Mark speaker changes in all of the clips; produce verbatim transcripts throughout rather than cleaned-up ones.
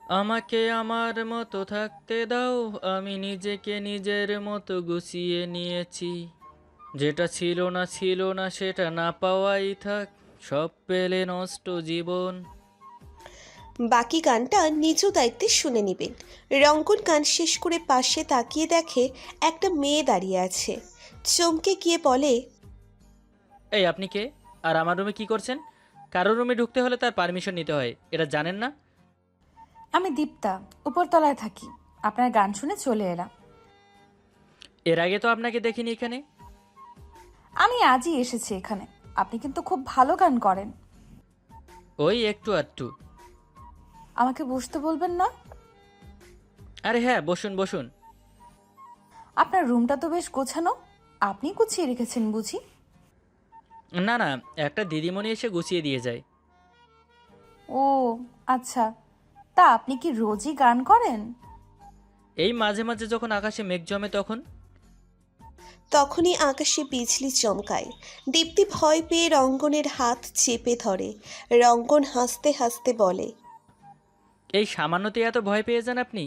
Speaker 1: আমাকে আমার মতো থাকতে দাও, আমি নিজেকে নিজের মতো গুছিয়ে নিয়েছি। যেটা ছিল না ছিল না সেটা না পাওয়াই থাক, সব পেলে নষ্ট জীবন।
Speaker 2: বাকি গানটা নিজ দায়িত্বে শুনে নিবেন। রঙ্গন গান শেষ করে পাশে তাকিয়ে দেখে একটা মেয়ে দাঁড়িয়ে আছে। চমকে গিয়ে বলে,
Speaker 1: এই আপনি কে? আর আমার রুমে কি করছেন? কারোর রুমে ঢুকতে হলে তার পারমিশন নিতে হয়, এটা জানেন না?
Speaker 3: আমি দীপ্তা, উপরতলায় থাকি। আপনার গান শুনে চলে এলাম।
Speaker 1: এর আগে তো আপনাকে দেখিনি এখানে।
Speaker 3: আমি আজই এসেছি এখানে। আপনি কিন্তু খুব ভালো গান করেন।
Speaker 1: ওই একটু আধটু।
Speaker 3: আমাকে বসতে বলবেন না?
Speaker 1: আরে হ্যাঁ, বসুন বসুন।
Speaker 3: আপনার রুমটা তো বেশ গোছানো। আপনি গুছিয়ে রেখেছেন বুঝি?
Speaker 1: না না, একটা দিদিমণি এসে গুছিয়ে দিয়ে যায়।
Speaker 3: ও আচ্ছা, তা আপনি কি রোজই গান করেন?
Speaker 1: এই মাঝে মাঝে যখন আকাশে মেঘ জমে তখন।
Speaker 2: তখনই আকাশে বিজলি চমকায়। দীপ্তি ভয় পেয়ে রঙ্গনের হাত চেপে ধরে। রঙ্গন হাসতে হাসতে বলে,
Speaker 1: এই সামান্যতে এত ভয় পেয়ে যান আপনি?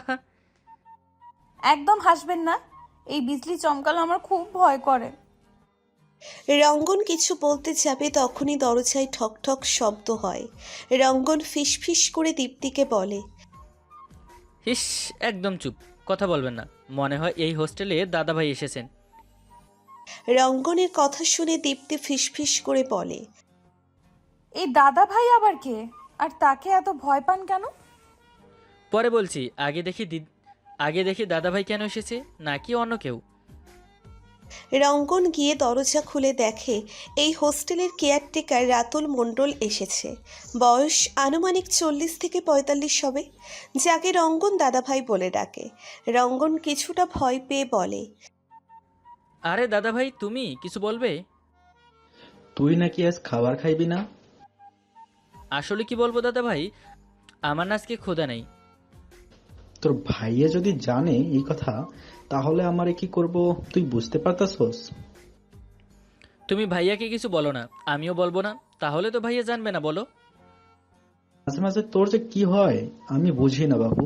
Speaker 3: একদম হাসবেন না। এই বিজলি চমকালো আমার খুব ভয় করে।
Speaker 2: রঙ্গন কিছু বলতে যাবে তখনই দরজায় ঠক ঠক শব্দ হয়। রঙ্গন ফিসফিস করে দীপ্তিকে বলে,
Speaker 1: হিস, একদম চুপ, কথা বলবেন না। মনে হয় এই হোস্টেলে দাদাভাই এসেছেন।
Speaker 2: রঙ্গনের কথা শুনে দীপ্তি ফিসফিস করে বলে,
Speaker 3: এই দাদা ভাই আবার কে? আর তাকে এত ভয় পান কেন?
Speaker 1: পরে বলছি, আগে দেখি দিদ আগে দেখি দাদাভাই কেন এসেছে, নাকি অন্য কেউ।
Speaker 2: রঙ্গন গিয়ে দরজা খুলে দেখে এই হোস্টেলের কেয়ারটেকার রাতুল মণ্ডল এসেছে। বয়স আনুমানিক চল্লিশ থেকে পঁয়তাল্লিশ হবে। যাকে রঙ্গন দাদাভাই বলে ডাকে। রঙ্গন কিছুটা ভয় পেয়ে বলে,
Speaker 1: আরে দাদাভাই, তুমি কিছু বলবে?
Speaker 4: তুই নাকি আজ খাবার খাইবি না?
Speaker 1: আসলে কি বলবো দাদাভাই, আমার না আজকে ক্ষুধা নেই।
Speaker 4: তোর ভাইয়া যদি জানে এই কথা, তাহলে আমারে কি করব তুই বুঝতে পারতাছস?
Speaker 1: তুমি ভাইয়াকে কিছু বলো না, আমিও বলবো না, তাহলে তো ভাইয়া জানবে না, বলো।
Speaker 4: মাঝে মাঝে তোর যে কি হয় আমি বুঝি না বাবু।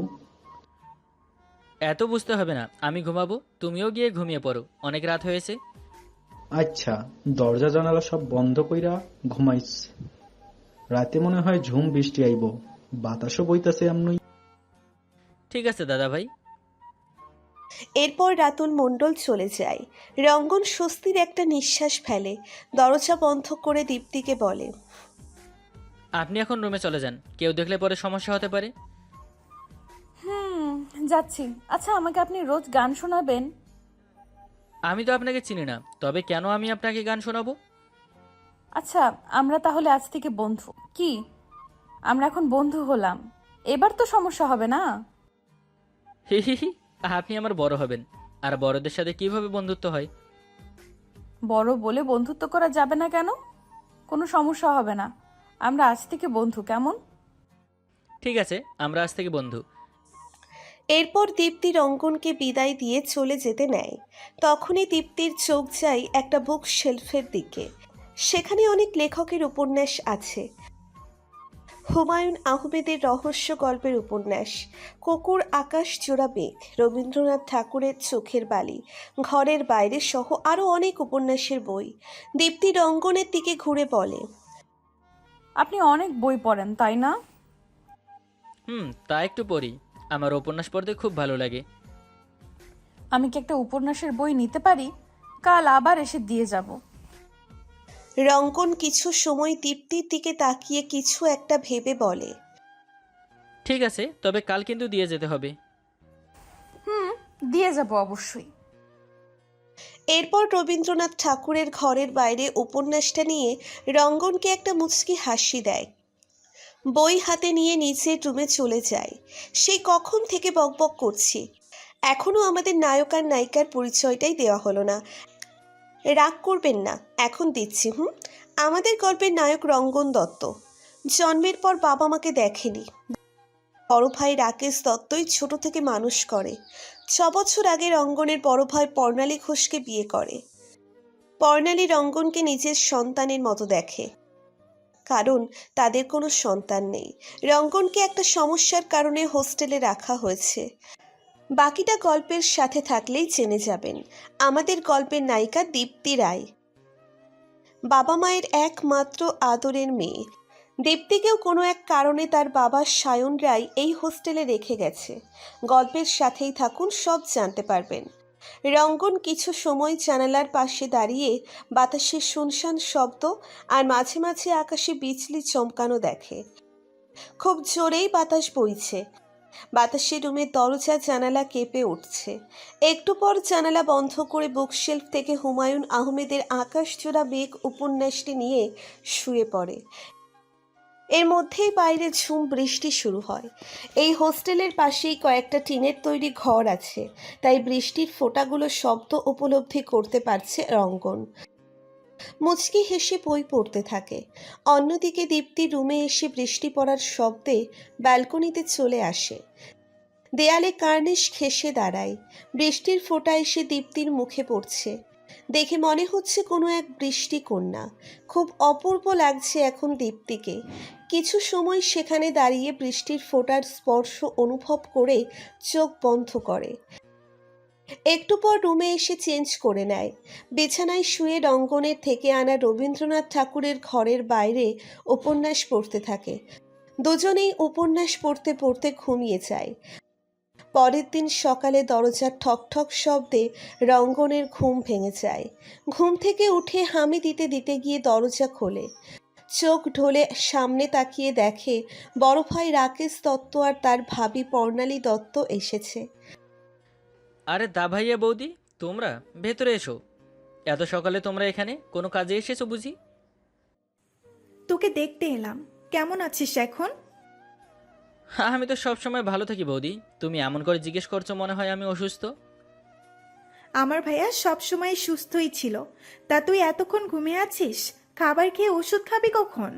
Speaker 1: এত বুঝতে হবে না, আমি ঘুমাবো, তুমিও গিয়ে ঘুমিয়ে পড়ো, অনেক রাত হয়েছে।
Speaker 4: আচ্ছা, দরজা জানালা সব বন্ধ কইরা ঘুমাইস। রাতে মনে হয় ঝুম বৃষ্টি আইব, বাতাসও বইতাছে এমনই।
Speaker 1: ঠিক আছে দাদাভাই।
Speaker 2: এরপর রাতুল মণ্ডল চলে যায়। রঙ্গন স্বস্তির একটা নিঃশ্বাস ফেলে। দরজা বন্ধ করে দীপ্তিকে বলে,
Speaker 1: আপনি এখন রুমে চলে যান, কেউ দেখলে পরে সমস্যা হতে পারে।
Speaker 3: হুম, যাচ্ছি। আচ্ছা, আমাকে আপনি রোজ গান শোনাবেন?
Speaker 1: আমি তো আপনাকে চিনি না, তবে কেন আমি আপনাকে গান শোনাবো?
Speaker 3: আচ্ছা, আমরা তাহলে আজ থেকে বন্ধু কি? আমরা এখন বন্ধু হলাম। এবার তো সমস্যা হবে না?
Speaker 1: হি হি হি। আপনি আমার বড় হবেন, আর বড়দের সাথে কিভাবে বন্ধুত্ব হয়?
Speaker 3: বড় বলে বন্ধুত্ব করা যাবে না কেন? কোনো সমস্যা হবে না। আমরা আজ থেকে বন্ধু, কেমন?
Speaker 1: ঠিক আছে, আমরা আজ থেকে বন্ধু।
Speaker 2: এরপর দীপ্তি রঙ্গনকে বিদায় দিয়ে চলে যেতে নেয়। তখনই দীপ্তির চোখ যায় একটা বুক শেলফের দিকে। সেখানে অনেক লেখকের উপন্যাস আছে। হুমায়ুন আহমেদের রহস্য গল্পের উপন্যাস, কুকুর আকাশ জোড়া মেঘ, রবীন্দ্রনাথ ঠাকুরের চোখের বালি, ঘরের বাইরে সহ আরও অনেক উপন্যাসের বই। দীপ্তি রঙ্গনের দিকে ঘুরে বলে,
Speaker 3: আপনি অনেক বই পড়েন, তাই না?
Speaker 1: হুম, তা একটু পড়ি। আমার উপন্যাস পড়তে খুব ভালো লাগে।
Speaker 3: আমি কি একটা উপন্যাসের বই নিতে পারি? কাল আবার এসে দিয়ে যাব।
Speaker 2: রঙ্গন কিছু সময় দীপ্তির দিকে তাকিয়ে কিছু একটা ভেবে বলে,
Speaker 1: ঠিক আছে, তবে কাল কিন্তু দিয়ে যেতে হবে।
Speaker 3: হুম, দিয়ে যাব অবশ্যই।
Speaker 2: এরপর রবীন্দ্রনাথ ঠাকুরের ঘরের বাইরে উপন্যাসটা নিয়ে রঙ্গনকে একটা মুচকি হাসি দেয়। বই হাতে নিয়ে নিচের রুমে চলে যায়। সেই কখন থেকে বকবক করছি, এখনো আমাদের নায়ক আর নায়িকার পরিচয়টাই দেওয়া হলো না। রাগ করবেন না, এখন দিচ্ছি। হুম আমাদের গল্পের নায়ক রঙ্গন দত্ত। জন্মের পর বাবা মাকে দেখেনি। বড় ভাই রাকেশ দত্তই ছোট থেকে মানুষ করে। ছ বছর আগে রঙ্গনের বড় ভাই পর্ণালী ঘোষকে বিয়ে করে। পর্ণালী রঙ্গনকে নিজের সন্তানের মতো দেখে। কারণ তাদের কোনো সন্তান নেই। রঙ্গনকে একটা সমস্যার কারণে হোস্টেলে রাখা হয়েছে। বাকিটা গল্পের সাথে থাকলেই জেনে যাবেন। আমাদের গল্পের নায়িকা দীপ্তি রায়, বাবা মায়ের একমাত্র আদরের মেয়ে। দীপ্তিকেও কোনো এক কারণে তার বাবা সায়ন রায় এই হোস্টেলে রেখে গেছে। গল্পের সাথেই থাকুন, সব জানতে পারবেন। রঙ্গন কিছু সময় জানালার পাশে দাঁড়িয়ে বাতাসের শুনশান শব্দ আর মাঝে মাঝে আকাশে বিজলি চমকানো দেখে। খুব জোরেই বাতাস বইছে। বাতাসে রুমের দরজা জানালা কেঁপে উঠছে। একটু পর জানালা বন্ধ করে বুকশেলফ থেকে হুমায়ুন আহমেদের আকাশজোড়া মেঘ উপন্যাসটি নিয়ে শুয়ে পড়ে। এর মধ্যেই বাইরে ঝুম বৃষ্টি শুরু হয়। এই হোস্টেলের পাশেই কয়েকটা টিনের তৈরি ঘর আছে, তাই বৃষ্টির ফোঁটাগুলো শব্দ উপলব্ধি করতে পারছে রঙ্গন। মুচকি হেসে বই পড়তে থাকে। অন্যদিকে দীপ্তি রুমে এসে বৃষ্টি পড়ার শব্দে ব্যালকনিতে চলে আসে। দেয়ালে কার্নিশ ঘেঁষে দাঁড়ায়। বৃষ্টির ফোঁটা এসে দীপ্তির মুখে পড়ছে। দেখে মনে হচ্ছে কোনো এক বৃষ্টি কন্যা। খুব অপূর্ব লাগছে এখন দীপ্তিকে। কিছু সময় সেখানে দাঁড়িয়ে বৃষ্টির ফোঁটার স্পর্শ অনুভব করে চোখ বন্ধ করে। একটু পর রুমে এসে চেঞ্জ করে নেয়। বিছানায় শুয়ে রঙ্গনের থেকে আনা রবীন্দ্রনাথ ঠাকুরের ঘরের বাইরে উপন্যাস পড়তে থাকে। দুজনেই উপন্যাস পড়তে পড়তে ঘুমিয়ে যায়। পরের দিন সকালে দরজার ঠকঠক শব্দে রঙ্গনের ঘুম ভেঙে যায়। ঘুম থেকে উঠে হামি দিতে দিতে গিয়ে দরজা খোলে। চোখ ঢোলে সামনে তাকিয়ে দেখে বড় ভাই রাকেশ দত্ত আর তার ভাবি পর্ণালী দত্ত এসেছে।
Speaker 1: আরে দা ভাইয়া বৌদি, তোমরা ভেতরে এসো। এত সকালে তোমরা এখানে কোনো কাজে এসেছো বুঝি?
Speaker 5: তোকে দেখতে এলাম, কেমন আছিস এখন?
Speaker 1: হ্যাঁ, আমি তো সবসময় ভালো থাকি বৌদি। তুমি এমন করে জিজ্ঞেস করছো মনে হয় আমি অসুস্থ।
Speaker 5: আমার ভাইয়া সবসময় সুস্থই ছিল। তা তুই এতক্ষণ ঘুমিয়ে আছিস? খাবার খেয়ে ওষুধ খাবি কখন?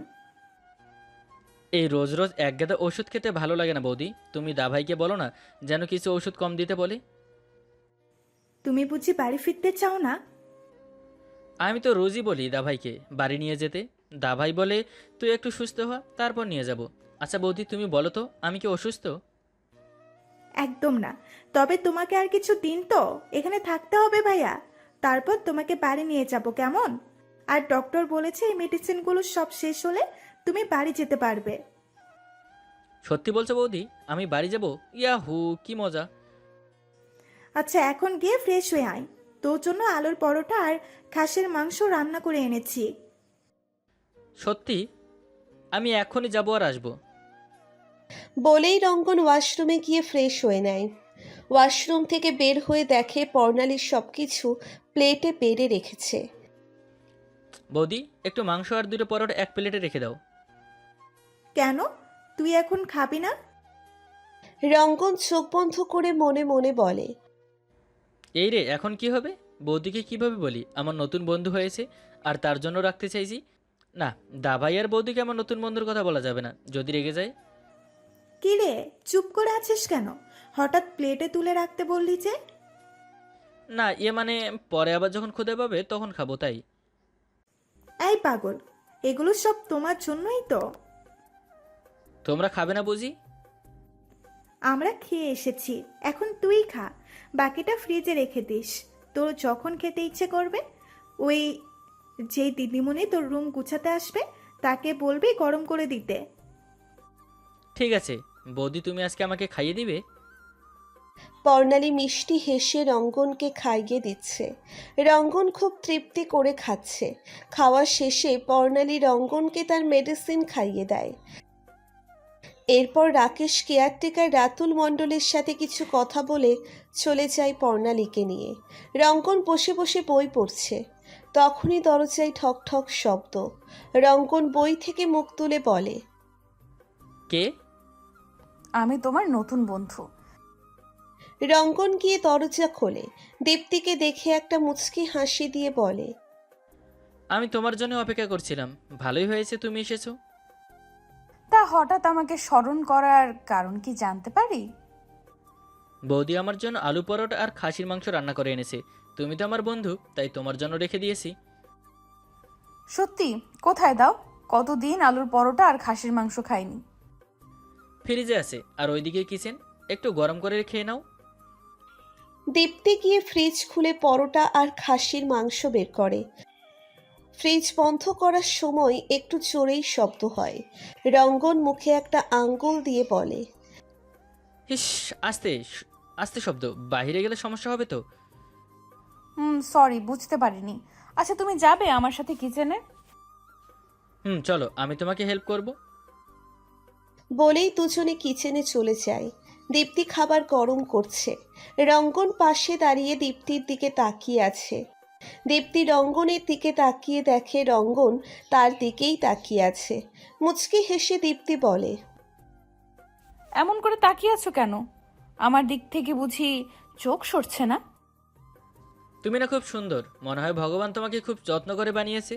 Speaker 1: এই রোজ রোজ এক গাদা ওষুধ খেতে ভালো লাগে না বৌদি। তুমি দা ভাইকে বলো না যেন কিছু ওষুধ কম দিতে বলে।
Speaker 5: তুমি বুঝি বাড়ি ফিরতে চাও না?
Speaker 1: আমি তো রোজই বলি দা ভাইকে বাড়ি নিয়ে যেতে। দা ভাই বলে তুই একটু সুস্থ হ, তারপর নিয়ে যাব। আচ্ছা বৌদি, তুমি বলো তো আমি কি অসুস্থ?
Speaker 5: একদম না। তবে তোমাকে আর কিছু দিন তো এখানে থাকতে হবে ভাইয়া, তারপর তোমাকে বাড়ি নিয়ে যাব, কেমন? আর ডক্টর বলেছে এই মেডিসিনগুলো সব শেষ হলে তুমি বাড়ি যেতে পারবে।
Speaker 1: সত্যি বলছো বৌদি? আমি বাড়ি যাব? ইয়াহু, কি মজা!
Speaker 5: আচ্ছা এখন গিয়ে ফ্রেশ হয়ে আয়, তোর জন্য আলুর পরোটা আর খাসির মাংস রান্না করে এনেছি।
Speaker 1: সত্যি? আমি এখনই যাবো আর আসবো।
Speaker 2: বলেই রঙ্গন ওয়াশরুমে গিয়ে ফ্রেশ হয়ে নেয়। ওয়াশরুম থেকে বের হয়ে দেখে পর্ণালীর সব কিছু প্লেটে বেড়ে রেখেছে।
Speaker 1: বৌদি, একটু মাংস আর দুটো পরোটা এক প্লেটে রেখে দাও।
Speaker 5: কেন, তুই এখন খাবি না?
Speaker 2: রঙ্গন চোখ বন্ধ করে মনে মনে বলে,
Speaker 1: এই রে, এখন কি হবে? বৌদিকে কিভাবে বলি আমার নতুন বন্ধু হয়েছে আর তার জন্য রাখতে চাইছি? না, দা ভাই আর বৌদিকে আমার নতুন বন্ধুর কথা বলা যাবে না, যদি রেগে যায়।
Speaker 5: কি রে, চুপ করে আছিস কেন? হঠাৎ প্লেটে তুলে রাখতে বললি যে?
Speaker 1: না, ইয়ে মানে পরে আবার যখন খুদে পাবে তখন খাবো, তাই।
Speaker 5: এই পাগল, এগুলো সব তোমার জন্যই তো।
Speaker 1: তোমরা খাবে না বুঝি?
Speaker 5: আমরা খেয়ে এসেছি, এখন তুই খা। বাকিটা ফ্রিজে রেখে দিস, তোর যখন খেতে ইচ্ছে করবে। ওই যেই দিদিমণি তোর রুম গুছাতে আসবে তাকে বলবি গরম করে দিতে।
Speaker 1: ঠিক আছে বৌদি, তুমি আজকে আমাকে খাইয়ে দিবে?
Speaker 2: পর্ণালী মিষ্টি হেসে রঙ্গনকে খাইয়ে দিচ্ছে। রঙ্গন খুব তৃপ্তি করে খাচ্ছে। খাওয়া শেষে পর্ণালী রঙ্গনকে তার মেডিসিন খাইয়ে দেয়। এরপর রাকেশ কেয়ারটেকার রাতুল মণ্ডলের সাথে কিছু কথা বলে চলে যায় পর্ণালীকে নিয়ে। রঙ্গন বসে বসে বই পড়ছে। তখনই দরজায় ঠক ঠক শব্দ। রঙ্গন বই থেকে মুখ তুলে বলে,
Speaker 1: কে?
Speaker 3: আমি তোমার নতুন বন্ধু।
Speaker 2: রঙ্গন গিয়ে দরজা খোলে। দীপ্তিকে দেখে একটা মুচকি হাসি দিয়ে বলে,
Speaker 1: আমি তোমার জন্য অপেক্ষা করছিলাম। ভালোই হয়েছে তুমি এসেছো।
Speaker 3: তা হঠাৎ আমাকে স্মরণ করার কারণ কি জানতে পারি?
Speaker 1: বৌদি আমার জন্য আলু পরোটা আর খাসির মাংস রান্না করে এনেছে। তুমি তো আমার বন্ধু, তাই তোমার জন্য রেখে দিয়েছি।
Speaker 3: সত্যি? কোথায় দাও, কতদিন আলুর পরোটা আর খাসির মাংস খাইনি।
Speaker 1: ফ্রিজে আছে, আর ওইদিকে কিচেন, একটু গরম করে খেয়ে নাও।
Speaker 2: দীপ্তি গিয়ে ফ্রিজ খুলে পরোটা আর খাসির মাংস বের করে। ফ্রিজ বন্ধ করার সময় একটু জোরেই শব্দ হয়। রঙ্গন মুখে একটা আঙ্গুল দিয়ে বলে,
Speaker 1: হিস, আস্তে শ- আস্তে শব্দ, বাইরে গেলে সমস্যা হবে তো।
Speaker 3: হুম, সরি, বুঝতে পারিনি। আচ্ছা, তুমি যাবে আমার সাথে কিচেনে?
Speaker 1: হুম, চলো, আমি তোমাকে হেল্প করব।
Speaker 2: বলেই দুজনে কিচেনে চলে যায়। দীপ্তি খাবার গরম করছে। রঙ্গন পাশে দাঁড়িয়ে দীপ্তির দিকে তাকিয়ে আছে। দীপ্তি রঙ্গনের দিকে তাকিয়ে দেখে রঙ্গন তার দিকেই তাকিয়ে আছে। মুচকি হেসে দীপ্তি বলে,
Speaker 3: এমন করে তাকিয়ে আছো কেন? আমার দিক থেকে বুঝি চোখ সরছে না?
Speaker 1: তুমি না খুব সুন্দর, মনে হয় ভগবান তোমাকে খুব যত্ন করে বানিয়েছে।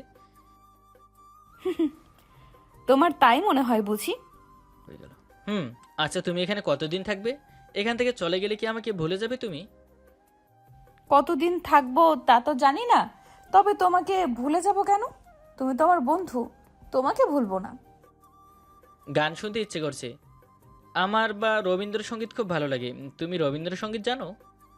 Speaker 3: তোমার তাই মনে হয় বুঝি?
Speaker 1: হয়ে গেল। হুম, আচ্ছা, তুমি এখানে কতদিন থাকবে? এখান থেকে চলে গেলে কি আমাকে ভুলে যাবে তুমি?
Speaker 3: কতদিন থাকবো তা তো জানি না, তবে তোমাকে ভুলে যাব কেন? তুমি তো আমার বন্ধু, তোমাকে ভুলবো না।
Speaker 1: গান শুনতে ইচ্ছে করছে আমার, বা রবীন্দ্রসঙ্গীত খুব ভালো লাগে। তুমি রবীন্দ্রসঙ্গীত জানো?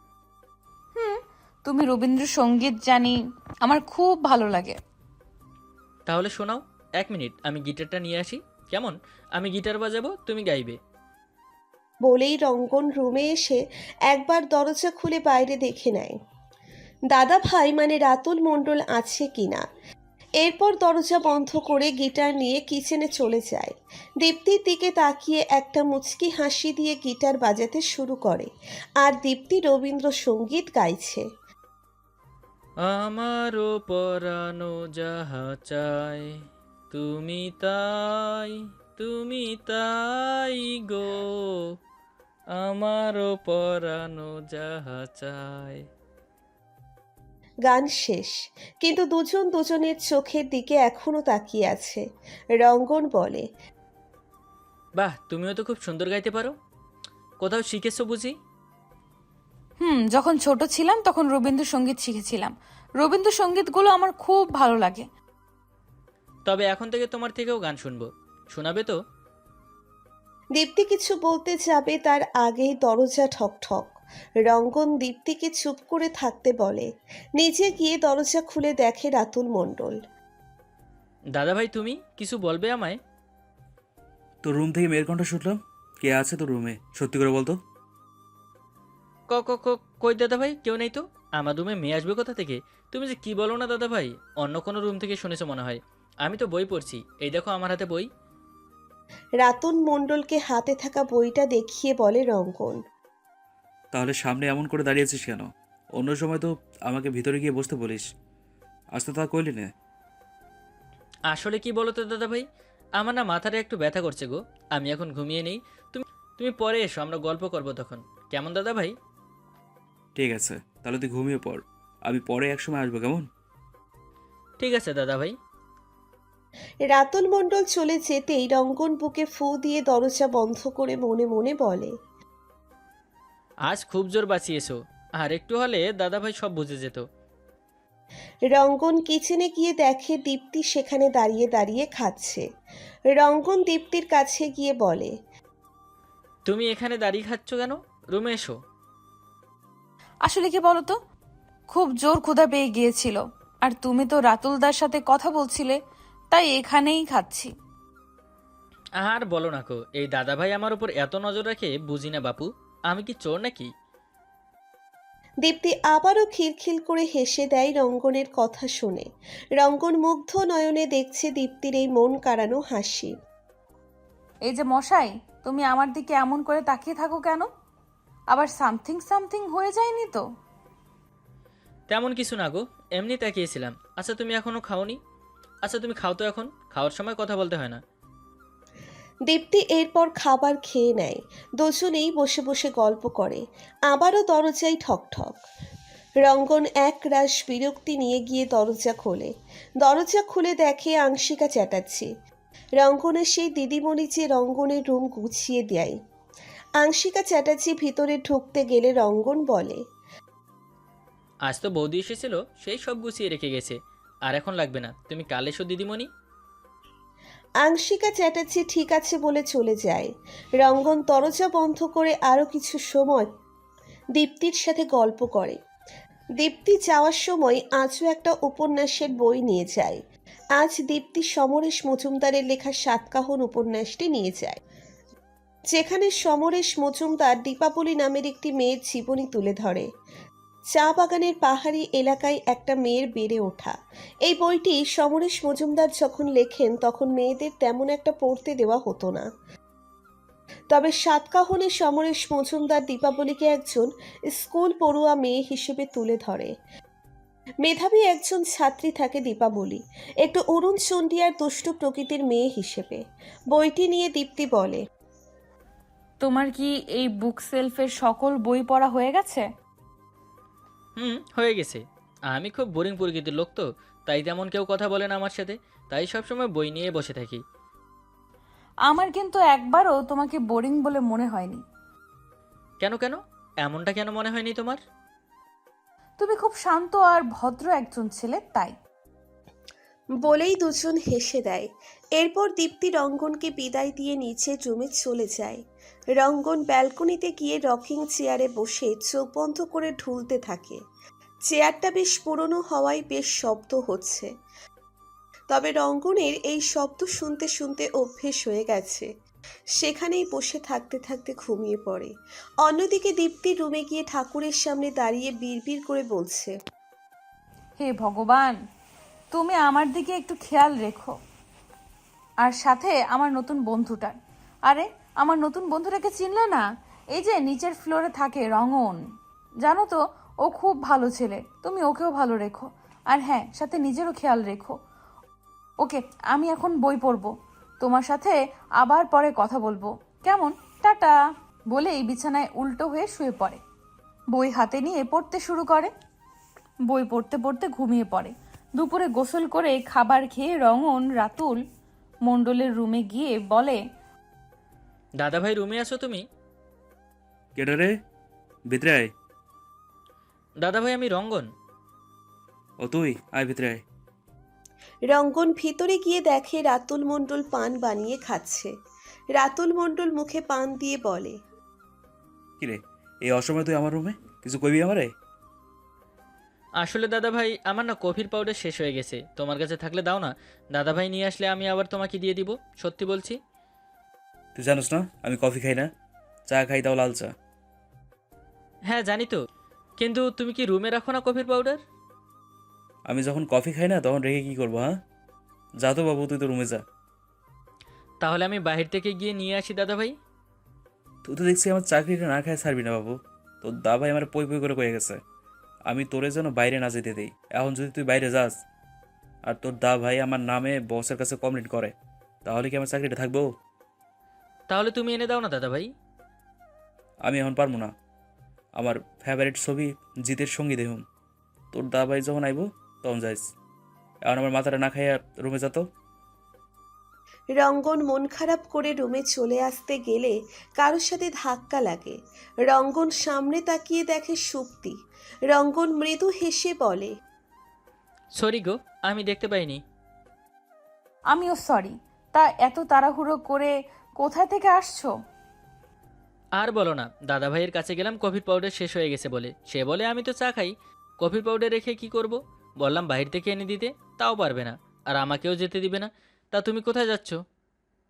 Speaker 3: তুমি রবীন্দ্রসঙ্গীত জানি, আমার খুব ভালো লাগে।
Speaker 1: তাহলে শোনাও। এক মিনিট, আমি গিটারটা নিয়ে আসি। কেমন? আমি গিটার বাজাবো, তুমি গাইবে।
Speaker 2: বলেই রঙ্গন রুমে এসে একবার দরজা খুলে বাইরে দেখে নেয় দাদা ভাই মানে রাতুল মণ্ডল আছে কিনা। এরপর দরজা বন্ধ করে গিটার নিয়ে কিচেনে চলে যায়। দীপ্তির দিকে তাকিয়ে একটা মুচকি হাসি দিয়ে গিটার বাজাতে শুরু করে, আর দীপ্তি রবীন্দ্রসঙ্গীত গাইছে।
Speaker 1: আমারও পরানো যাহা চায়, তুমি তাই, তুমি তাই গো, আমারও পরানো যাহা চায়।
Speaker 2: গান শেষ, কিন্তু দুজন দুজনের চোখের দিকে এখনো তাকিয়ে আছে। রঙ্গন বলে,
Speaker 1: বাহ, তুমিও তো খুব সুন্দর গাইতে পারো। কোথাও শিখেছো বুঝি?
Speaker 3: হুম, যখন ছোট ছিলাম তখন রবীন্দ্রসঙ্গীত শিখেছিলাম। রবীন্দ্রসঙ্গীতগুলো আমার খুব ভালো লাগে।
Speaker 1: তবে এখন থেকে তোমার থেকেও গান শুনবো, শোনাবে তো?
Speaker 2: দীপ্তি কিছু বলতে যাবে তার আগেই দরজা ঠকঠক। রঙ্গন দীপ্তিকে চুপ করে থাকতে বলে, নিজে গিয়ে দরজা খুলে দেখে রাতুল মণ্ডল।
Speaker 1: দাদা ভাই, তুমি কিছু বলবে আমায়?
Speaker 6: তোর রুম থেকে মেয়ের কণ্ঠ শুনলাম। কে আছে তোর রুমে? সত্যি করে বলতো।
Speaker 1: ক ক ক কই দাদা ভাই, কেউ নেই তো। আমার রুমে মেয়ে আসবে কোথা থেকে? তুমি যে কি বলো না দাদা ভাই, অন্য কোনো রুম থেকে শুনেছো মনে হয়। আমি তো বই পড়ছি, এই দেখো আমার হাতে বই।
Speaker 2: রাতুল মণ্ডলকে হাতে থাকা বইটা দেখিয়ে বলে রঙ্গন,
Speaker 6: তাহলে সামনে এমন করে দাঁড়িয়েছিস কেন? অন্য সময় তো আমাকে ভিতরে গিয়ে বসতে বলিস, আজ তো তা কইলি না।
Speaker 1: আসলে কি বলো তো দাদা ভাই, আমার না মাথাটা একটু ব্যথা করছে গো। আমি এখন ঘুমিয়ে নেই। তুমি তুমি পরে এসো, আমরা গল্প করবো তখন। কেমন দাদা ভাই?
Speaker 6: ঠিক আছে, তাহলে তুই ঘুমিয়ে পড়, আমি পরে একসময় আসবো, কেমন?
Speaker 1: ঠিক আছে দাদা ভাই।
Speaker 2: রাতুল মণ্ডল চলে যেতেই রঙ্গন বুকে ফু দিয়ে দরজা বন্ধ করে মনে মনে বলে,
Speaker 1: আজ খুব জোর বাঁচিয়েছো, আর একটু হলে দাদা ভাই সব বুঝে যেত।
Speaker 2: রঙ্গন কিচেনে গিয়ে দেখে দীপ্তি সেখানে দাঁড়িয়ে দাঁড়িয়ে খাচ্ছে। রঙ্গন দীপ্তির কাছে গিয়ে বলে,
Speaker 1: তুমি এখানে দাঁড়িয়ে খাচ্ছ কেন? রুমে এসো।
Speaker 3: আসলে কি বলতো, খুব জোর ক্ষুধা পেয়ে গিয়েছিল, আর তুমি তো রাতুলদার সাথে কথা বলছিলে, তাই এখানেই খাচ্ছি।
Speaker 1: আর বলো না কো, এই দাদা ভাই আমার উপর এত নজর রাখে, বুঝি না বাপু। আমি কি চোর নাকি?
Speaker 2: দীপ্তি আবারও খিলখিল করে হেসে দেয় রঙ্গনের কথা শুনে। রঙ্গন মুগ্ধ নয়নে দেখছে দীপ্তির এই মন কাড়ানো হাসি।
Speaker 3: এই যে মশাই, তুমি আমার দিকে এমন করে তাকিয়ে থাকো কেন? আবার সামথিং সামথিং হয়ে যায়নি তো?
Speaker 1: তেমন কিছু না গো, এমনি তাকিয়েছিলাম। আচ্ছা, তুমি এখনো খাওনি? আচ্ছা, তুমি খাও তো, এখন খাওয়ার সময় কথা বলতে হয় না।
Speaker 2: দীপ্তি এরপর খাবার খেয়ে নেয়। দুজনেই বসে বসে গল্প করে। আবারও দরজায় ঠকঠক। রঙ্গন এক রাশ বিরক্তি নিয়ে গিয়ে দরজা খোলে। দরজা খুলে দেখে আংশিকা চ্যাটার্জি। রঙ্গনের সেই দিদিমণি যে রঙ্গনের রুম গুছিয়ে দেয়। আংশিকা চ্যাটার্জি ভিতরে ঢুকতে গেলে রঙ্গন বলে,
Speaker 1: আজ তো বৌদি এসেছিল, সেই সব গুছিয়ে রেখে গেছে। আর এখন লাগবে না, তুমি কাল এসো দিদিমণি।
Speaker 2: আংশিকা চ্যাটার্জি ঠিক আছে বলে চলে যায়। রঙ্গন দরজা বন্ধ করে আরও কিছু সময় দীপ্তির সাথে গল্প করে। দীপ্তি যাওয়ার সময় আজও একটা উপন্যাসের বই নিয়ে যায়। আজ দীপ্তি সমরেশ মজুমদারের লেখা সাতকাহন উপন্যাসটি নিয়ে যায়, যেখানে সমরেশ মজুমদার দীপাবলি নামের একটি মেয়ের জীবনী তুলে ধরে। চা বাগানের পাহাড়ি এলাকায় একটা মেয়ের বেড়ে ওঠা। এই বইটি সমরেশ মজুমদার যখন লেখেন তখন মেয়েদের তেমন একটা পড়তে দেওয়া হতো না। তবে সাতকাহনে সমরেশ মজুমদার দীপাবলিকে একজন স্কুল পড়ুয়া মেয়ে হিসেবে তুলে ধরে। মেধাবী একজন ছাত্রী থাকে দীপাবলি, একটু অরুণ চন্ডিয়ার দুষ্টু প্রকৃতির মেয়ে হিসেবে। বইটি নিয়ে দীপ্তি বলে,
Speaker 3: তোমার কি এই বুক সেলফের সকল বই পড়া হয়ে গেছে?
Speaker 1: হুম, হয়ে গেছে। আমি খুব বোরিং প্রকৃতির লোক, তো তাই তেমন কেউ কথা বলে না আমার সাথে, তাই সবসময় বই নিয়ে বসে থাকি।
Speaker 3: আমার কিন্তু একবারও তোমাকে বোরিং বলে মনে হয়নি।
Speaker 1: কেন কেন এমনটা কেন মনে হয়নি তোমার?
Speaker 3: তুমি খুব শান্ত আর ভদ্র একজন ছেলে, তাই।
Speaker 2: বলেই দুজন হেসে দেয়। এরপর দীপ্তি রঙ্গনকে বিদায় দিয়ে নিচে রুমে চলে যায়। রঙ্গন ব্যালকনিতে গিয়ে রকিং চেয়ারে বসে চোখ বন্ধ করে ঢুলতে থাকে। চেয়ারটা বেশ পুরনো হওয়ায় বেশ শব্দ হচ্ছে, তবে রঙ্গনের এই শব্দ শুনতে শুনতে অভ্যেস হয়ে গেছে। সেখানেই বসে থাকতে থাকতে ঘুমিয়ে পড়ে। অন্যদিকে দীপ্তি রুমে গিয়ে ঠাকুরের সামনে দাঁড়িয়ে বিড়বিড় করে বলছে,
Speaker 3: হে ভগবান, তুমি আমার দিকে একটু খেয়াল রেখো, আর সাথে আমার নতুন বন্ধুটার। আরে, আমার নতুন বন্ধুটাকে চিনলে না? এই যে নিচের ফ্লোরে থাকে, রঙন। জানো তো, ও খুব ভালো ছেলে, তুমি ওকেও ভালো রেখো। আর হ্যাঁ, সাথে নিজেরও খেয়াল রেখো। ওকে, আমি এখন বই পড়বো, তোমার সাথে আবার পরে কথা বলবো, কেমন? টাটা। বলেই বিছানায় উল্টো হয়ে শুয়ে পড়ে। বই হাতে নিয়ে পড়তে শুরু করে। বই পড়তে পড়তে ঘুমিয়ে পড়ে। দুপুরে গোসল করে খাবার খেয়ে রঙন রাতুল মণ্ডলের রুমে গিয়ে বলে,
Speaker 1: দাদা ভাই, রুমে আছো তুমি?
Speaker 6: কেডা রে? ভিতরে আয়।
Speaker 1: দাদা ভাই, আমি রঙ্গন।
Speaker 6: ও তুই, আয় ভিতরে আয়।
Speaker 2: রঙ্গন ভিতরে গিয়ে দেখে রাতুল মণ্ডল পান বানিয়ে খাচ্ছে। রাতুল মণ্ডল মুখে পান দিয়ে বলে,
Speaker 6: কিরে, এই অসময় তুই আমার রুমে? কিছু কইবি আমারে?
Speaker 1: আসলে দাদা ভাই, আমার না কফির পাউডার শেষ হয়ে গেছে, তোমার কাছে থাকলে দাও না। দাদা ভাই নিয়ে আসলে আমি আবার তোমাকে দিয়ে দিব, সত্যি বলছি।
Speaker 6: তুই জানোস না আমি কফি খাই না, চা খাই, তাও লাল চা।
Speaker 1: হ্যাঁ জানি তো, কিন্তু তুমি কি রুমে রাখো না কফির পাউডার?
Speaker 6: আমি যখন কফি খাই না তখন রেখে কি করবো? হ্যাঁ, যা তো বাবু, তুই তো রুমে যা।
Speaker 1: তাহলে আমি বাহির থেকে গিয়ে নিয়ে আসি দাদা ভাই।
Speaker 6: তুই তো দেখছি আমার চাকরিটা না খায় ছাড়বি না বাবু। তোর দা ভাই আমার পই পই করে কয়ে গেছে আমি তোরে যেন বাইরে না যেতে দেই। এখন যদি তুই বাইরে যাস আর তোর দা ভাই আমার নামে বসের কাছে কমপ্লেন করে, তাহলে কি আমার চাকরিটা থাকবো?
Speaker 1: তাহলে তুমি এনে দাও না দাদা ভাই।
Speaker 6: আমি এখন পারবো না। আমার ফেভারিট ছবি জিতের সঙ্গী দেখুন। তোর দা ভাই যখন আইব তখন যাইস। এখন আমার মাথাটা না খাইয়া রুমে যেত।
Speaker 2: রঙ্গন মন খারাপ করে রুমে চলে আসতে গেলে কারোর সাথে ধাক্কা লাগে। রঙ্গন সামনে তাকিয়ে দেখে সুপ্তি। রঙ্গন মৃদু হেসে বলে,
Speaker 1: সরি গো, আমি দেখতে পাইনি।
Speaker 3: আমিও সরি। তা এত তাড়াহুড়ো করে কোথায় থেকে আসছো?
Speaker 1: আর বলো না, দাদা ভাইয়ের কাছে গেলাম কফির পাউডার শেষ হয়ে গেছে বলে। সে বলে আমি তো চা খাই, কফির পাউডার রেখে কি করব? বললাম বাহির থেকে এনে দিতে, তাও পারবে না, আর আমাকেও যেতে দিবে না। তা তুমি কোথায় যাচ্ছ?